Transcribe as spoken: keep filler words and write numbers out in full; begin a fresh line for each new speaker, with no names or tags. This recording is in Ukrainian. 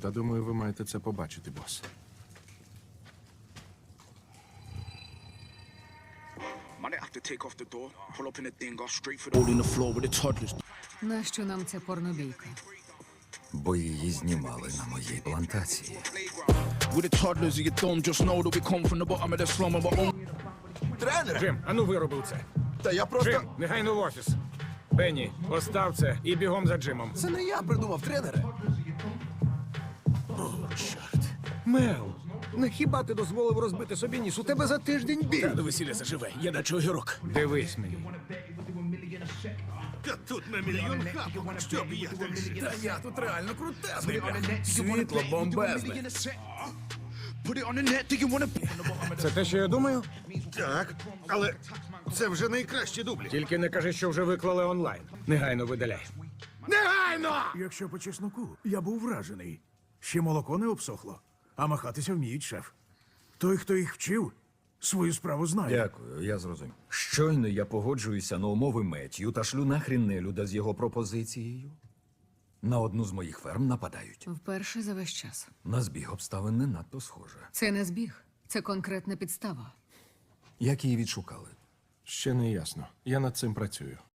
Та думаю, ви маєте це побачити, бос.
Might have to take off the door, pull up in the thing, go straight for the hole in the floor with the toddlers.
Нащо нам ця порнобійка?
Бо її знімали на моїй плантації.
With the toddlers in your dome, just know that we come from the bottom of the slum of our own.
Тренер!
Джим, ану виробив це.
Та я просто...
Джим, негайно в офіс. Бенні, постав це і бігом за Джимом.
Це не я придумав, тренере.
Мел, не хіба ти дозволив розбити собі ніс? У тебе за тиждень біль.
Та до весілля заживе, я наче огірок.
Дивись мені.
Та тут на мільйон хапок, щоб я так жив.
Та я тут реально крутезний, бля.
Світло бомбезне.
Put it on the net, do you wanna be on the bottom of the...
Це те, що я думаю?
Так, але це вже найкращі дублі.
Тільки не кажи, що вже виклали онлайн. Негайно видаляй.
Негайно!
Якщо по чесноку, я був вражений. Ще молоко не обсохло, а махатися вміють, шеф. Той, хто їх вчив, свою справу знає.
Дякую, я зрозумів. Щойно я погоджуюся на умови Меттью та шлю нахрін нелюда з його пропозицією. На одну з моїх ферм нападають.
Вперше за весь час.
На збіг обставин не надто схоже.
Це не збіг, це конкретна підстава.
Як її відшукали?
Ще не ясно. Я над цим працюю.